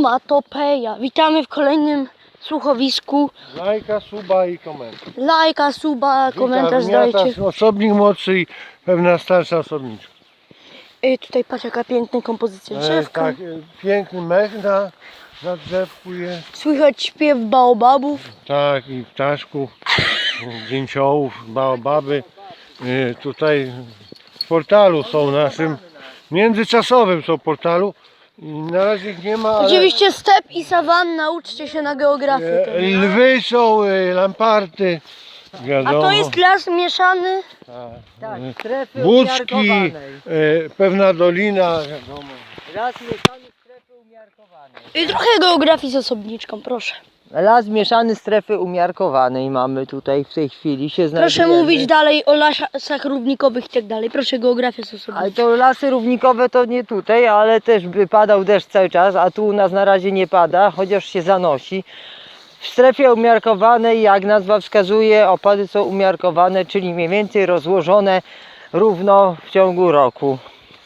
Onomatopeja. Witamy w kolejnym słuchowisku. Lajka, suba i komentarz. Lajka, suba, komentarz dajcie. Osobnik młodszy i pewna starsza osobniczka. Tutaj patrz jaka piękna kompozycja drzewka. Tak, piękny mech na drzewku jest. Słychać śpiew baobabów. Tak, i ptaszków, dzięciołów, baobaby. Tutaj w portalu są naszym, międzyczasowym są portalu. I na razie ich nie ma, ale Oczywiście step i sawanna, uczcie się na geografii. lwy są, lamparty, wiadomo. A to jest las mieszany. Tak, strefy Buczki, umiarkowanej. pewna dolina, wiadomo. Las mieszany strefy umiarkowanej. Trochę geografii z osobniczką, proszę. Las mieszany strefy umiarkowanej mamy tutaj w tej chwili się Proszę znajdujemy. mówić dalej o lasach równikowych i tak dalej. Proszę geografię z osobniczką. Ale to lasy równikowe to nie tutaj, ale też by padał deszcz cały czas, a tu u nas na razie nie pada, chociaż się zanosi. W strefie umiarkowanej, jak nazwa wskazuje, opady są umiarkowane, czyli mniej więcej rozłożone równo w ciągu roku.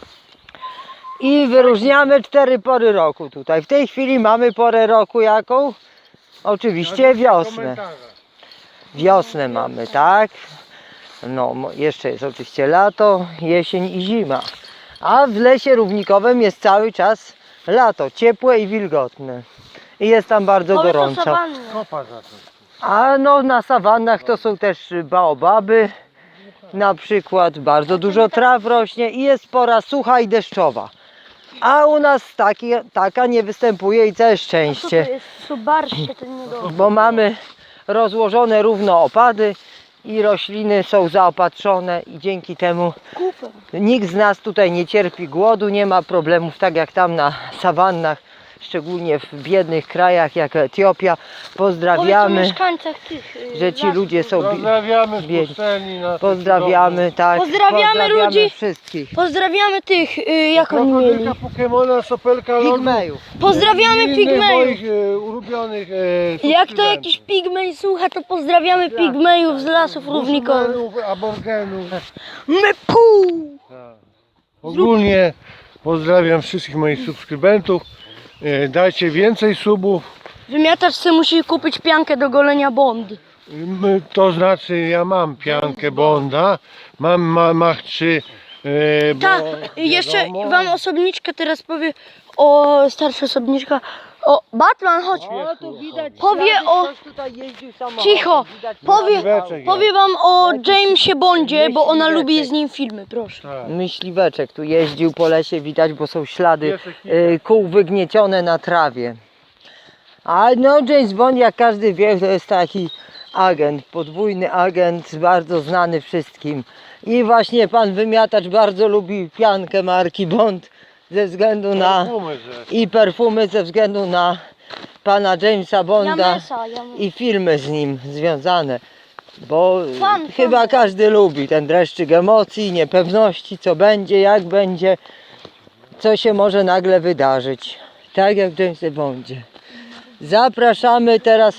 I wyróżniamy 4 pory roku tutaj. W tej chwili mamy porę roku jaką? Oczywiście wiosnę. Wiosnę mamy, tak? No, jeszcze jest oczywiście lato, jesień i zima. A w lesie równikowym jest cały czas lato, ciepłe i wilgotne. I jest tam bardzo Powiedz o gorąco. sawannie. Kopa za to. A no na sawannach to są też baobaby. Na przykład bardzo dużo traw rośnie i jest pora sucha i deszczowa. A u nas taka nie występuje i całe Co to szczęście. jest? Subarście, to niedobrze. Bo mamy rozłożone równo opady i rośliny są zaopatrzone i dzięki temu Kupę. nikt z nas tutaj nie cierpi głodu, nie ma problemów tak jak tam na sawannach, szczególnie w biednych krajach jak Etiopia. Powiedz o Pozdrawiamy, mieszkańcach tych że ci lasów. ludzie są Pozdrawiamy z biedni. pustelni. Pozdrawiamy, tak. Pozdrawiamy ludzi. Wszystkich. Pozdrawiamy tych, jak oni mieli. Krokodylka, Pokemona, Sopelka, Lodu. Pigmejów. Pozdrawiamy Innych pigmejów. moich ulubionych Jak to subskrybentów. jakiś pigmej słucha, to pozdrawiamy pigmejów z lasów równikowych. Muzułmanów, Aborgenów. Mypu! Tak. Ogólnie pozdrawiam wszystkich moich subskrybentów. Dajcie więcej subów. Wymiatacz se musi kupić piankę do golenia Bond. To znaczy ja mam piankę Bonda, mam Mach 3. Tak, jeszcze wam osobniczka teraz powie o starsza osobniczka. O, Batman, chodź. O, tu widać, Powie ślady, o- ktoś tutaj jeździł samochodem. Cicho, Widać powie, myśliweczek. powie wam o Jamesie Bondzie, bo ona Myśliweczek. lubi z nim filmy, proszę. Tak. Myśliweczek tu jeździł po lesie, widać, bo są ślady Piesek kół wygniecione na trawie. A no James Bond, jak każdy wie, to jest taki agent, podwójny agent, bardzo znany wszystkim. I właśnie pan wymiatacz bardzo lubi piankę marki Bond ze względu na Perfumy zresztą. i perfumy ze względu na pana Jamesa Bonda Jamesa, i filmy z nim związane. Bo Fan, chyba fan. każdy lubi ten dreszczyk emocji, niepewności, co będzie, jak będzie, co się może nagle wydarzyć. Tak jak w Jamesie Bondzie. Zapraszamy teraz.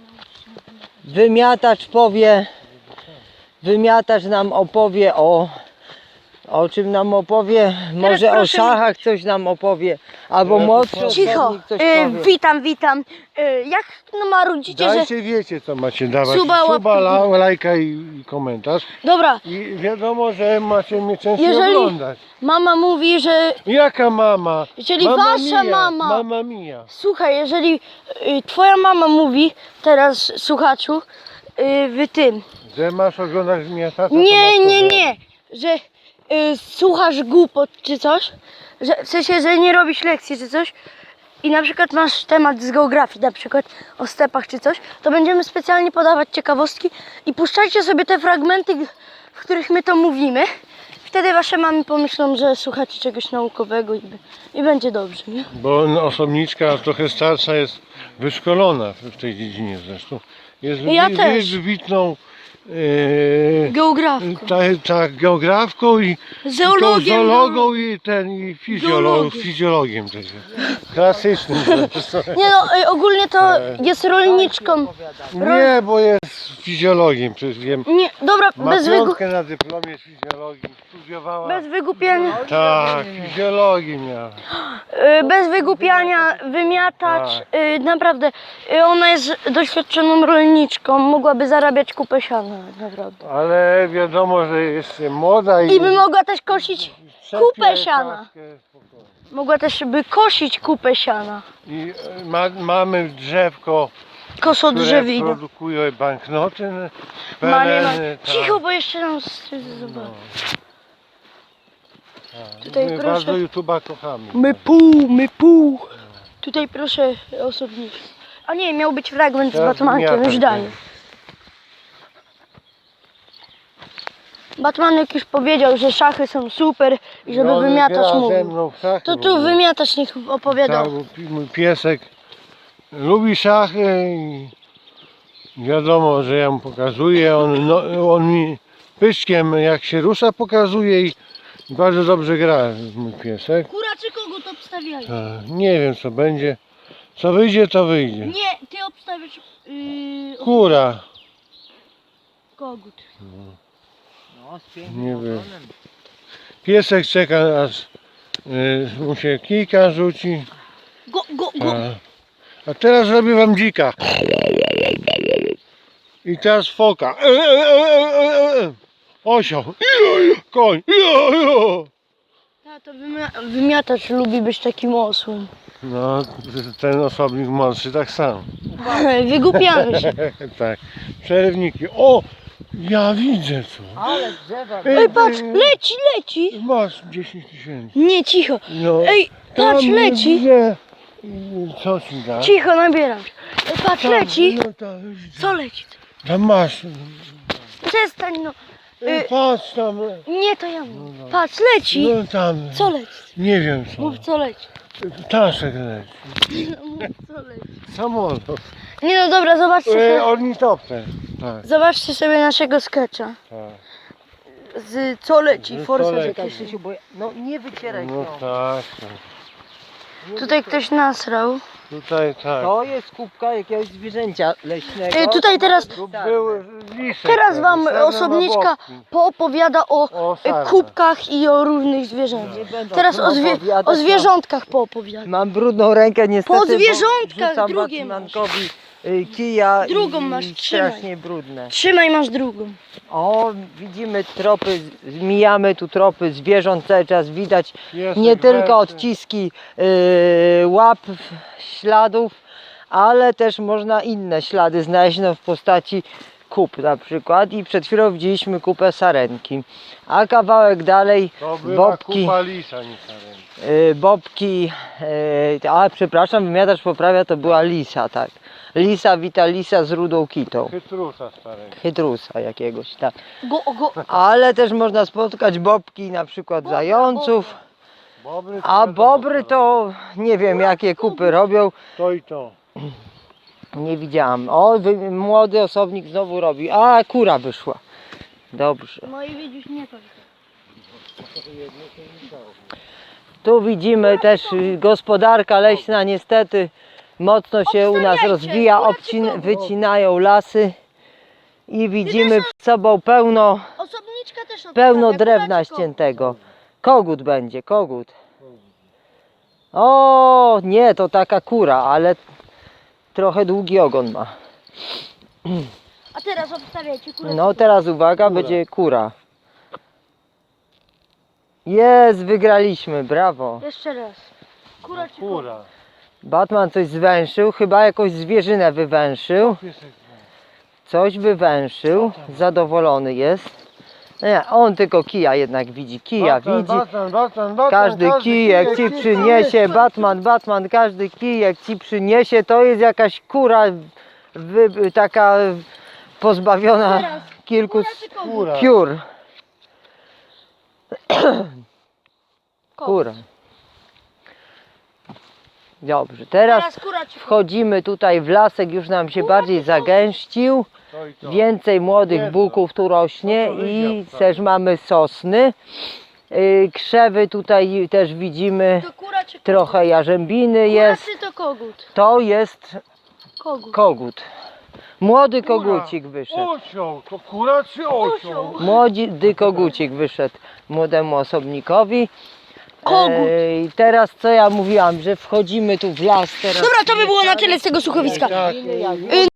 Wymiatacz nam opowie o czym nam opowie? Może o proszę szachach coś nam opowie, albo młodszy Cicho, osobnik coś powie. witam. Jak no marudzicie, że... Dajcie, wiecie co macie dawać. Suba, łapki. Lajka i komentarz. Dobra, I wiadomo, że macie mnie częściej Jeżeli- oglądać. mama mówi, że... Jaka mama? Jeżeli Mama wasza mia, mama... Mama mia. Słuchaj, jeżeli twoja mama mówi teraz, słuchaczu, w tym... Że masz oglądać mnie tata, to Nie, masz nie, oglądać. nie, że słuchasz głupot czy coś, że w sensie, że nie robisz lekcji czy coś i na przykład masz temat z geografii, na przykład o stepach czy coś, to będziemy specjalnie podawać ciekawostki i puszczajcie sobie te fragmenty, w których my to mówimy. Wtedy wasze mamy pomyślą, że słuchacie czegoś naukowego i będzie dobrze, nie? Bo osobniczka trochę starsza jest wyszkolona w tej dziedzinie zresztą. Jest Ja też. wybitną Geografką. tak, geografką i Zoologiem. zoologą i Geologiem. fizjologiem też jest. Klasycznym. Nie no, ogólnie to jest rolniczką. Nie, bo jest fizjologiem, przecież wiem. Nie, dobra, Ma piątkę na dyplomie z fizjologii, studiowała. bez wygłupiania. Tak, fizjologii miała. Bez wygłupiania, wymiatacz, naprawdę, ona jest doświadczoną rolniczką, mogłaby zarabiać kupę siana, naprawdę. Ale wiadomo, że jest młoda I by mogła też kosić trzepie kupę siana. kaskę spokojnie. Mogła też by kosić kupę siana. I mamy drzewko, które Kosodrzewina. produkuje banknoty, Ma. peleny. tak. Cicho, bo jeszcze nam zobacz. Tutaj My proszę. bardzo YouTube'a kochamy. My pół. Tutaj proszę osobniczo. A nie, miał być fragment z Teraz Batmankiem, wymiatam już daję. ten. Batmanek już powiedział, że szachy są super i żeby I on wymiatać gra ze mówił. mną w szachy To w tu ogóle. wymiatać niech opowiadał. Tak, bo mój piesek lubi szachy i wiadomo, że ja mu pokazuję, on mi pyczkiem jak się rusza pokazuje i bardzo dobrze gra mój piesek. Kura czy kogut obstawiaj? Nie wiem co będzie, co wyjdzie to wyjdzie. Nie, ty obstawiasz Kura, kogut. No, z Nie pięknym wiem. ogonem. piesek czeka aż mu się kijka rzuci. Go. A teraz zrobię wam dzika. I teraz foka. Osioł. Koń. A to wymiatacz lubi być takim osłem. No, ten osobnik młodszy tak samo. Wygłupiamy się. Tak. Przerywniki. O! Ja widzę co. Ale drzewa. Ej, patrz, leci. Masz 10 000. Nie, cicho. No, Ej, patrz, tam leci. gdzie- Co ci da? Cicho, nabieram się. Ej, patrz, Tam, leci. No, tam, Co leci? tam masz. Przestań, no. Patrz tam. Nie, to ja mówię. Patrz, leci. No tam. Co leci? Nie wiem co. Mów, co leci. Ptaszek leci. Mów, co leci. Samolot. Nie no dobra, zobaczcie sobie, Ornitopter. Tak, zobaczcie sobie naszego sketcha. tak. Z co leci, Co Forza leci? Czekaj, jakiś. Krzysiu, bo no nie wycieraj No się. tak. tak. Tutaj ktoś nasrał. Tutaj tak. To jest kubka jakiegoś zwierzęcia leśnego. Tutaj teraz, Tu był lisek. teraz wam sarna osobniczka ma bobki. poopowiada o O sarnach. kubkach i o różnych zwierzętach. Nie będę Teraz opowiadać, o zwierzątkach poopowiada. Mam brudną rękę niestety, Po bo zwierzątkach, rzucam drugie Batmankowi kija Drugą i masz, trzymaj. strasznie brudne. Trzymaj, masz drugą. O, widzimy tropy, mijamy tu tropy zwierząt cały czas, widać Piesek nie tylko węży. odciski łap, śladów, ale też można inne ślady znaleźć no, w postaci kup na przykład i przed chwilą widzieliśmy kupę sarenki, a kawałek dalej To była bobki, kupa lisa, nie sarenki. bobki, a przepraszam, wymiatacz poprawia, to była lisa, tak. Lisa, wita lisa z rudą kitą. Chytrusa starenki. Chytrusa jakiegoś, tak. Go. Ale też można spotkać bobki, na przykład zająców, Bobry a to bobry to nie wiem jakie kupy robią, to i to. nie widziałam. O, młody osobnik znowu robi, a kura wyszła. Dobrze. No i widzisz, nie to. Tu widzimy też gospodarka leśna niestety mocno się u nas Obstawiajcie, rozwija, kura czy kogut? wycinają lasy i widzimy przed sobą pełno Osobniczka też odstawia, pełno kura drewna czy kogut? ściętego. Kogut będzie, kogut. O, nie, to taka kura, ale trochę długi ogon ma. A teraz obstawiajcie kurę. No teraz uwaga, będzie kura. Jest, wygraliśmy, brawo. Jeszcze raz. Kura czy kogut? Kura. Batman coś zwęszył, chyba jakąś zwierzynę wywęszył. Piesek. Coś wywęszył, zadowolony jest. Nie, on tylko kija jednak widzi, kija widzi. Batman, Każdy kijek ci przyniesie, Batman, każdy kijek ci przyniesie. To jest jakaś kura taka pozbawiona Teraz. kilku Kura czy kogut? Kura. piór. Kogut. Kura. Dobrze, teraz kura ci wchodzimy tutaj w lasek, już nam się bardziej zagęścił. To i to. Więcej młodych buków tu rośnie i też mamy sosny. Krzewy tutaj też widzimy, To kura czy trochę jarzębiny kura jest. czy to kogut? To jest Kogut. kogut. Młody Kura. kogucik wyszedł. Osioł, to kura czy osioł? Młody kogucik wyszedł młodemu osobnikowi. Kogut. I teraz co ja mówiłam, że wchodzimy tu w las teraz. Dobra, to by było na tyle z tego słuchowiska. Tak.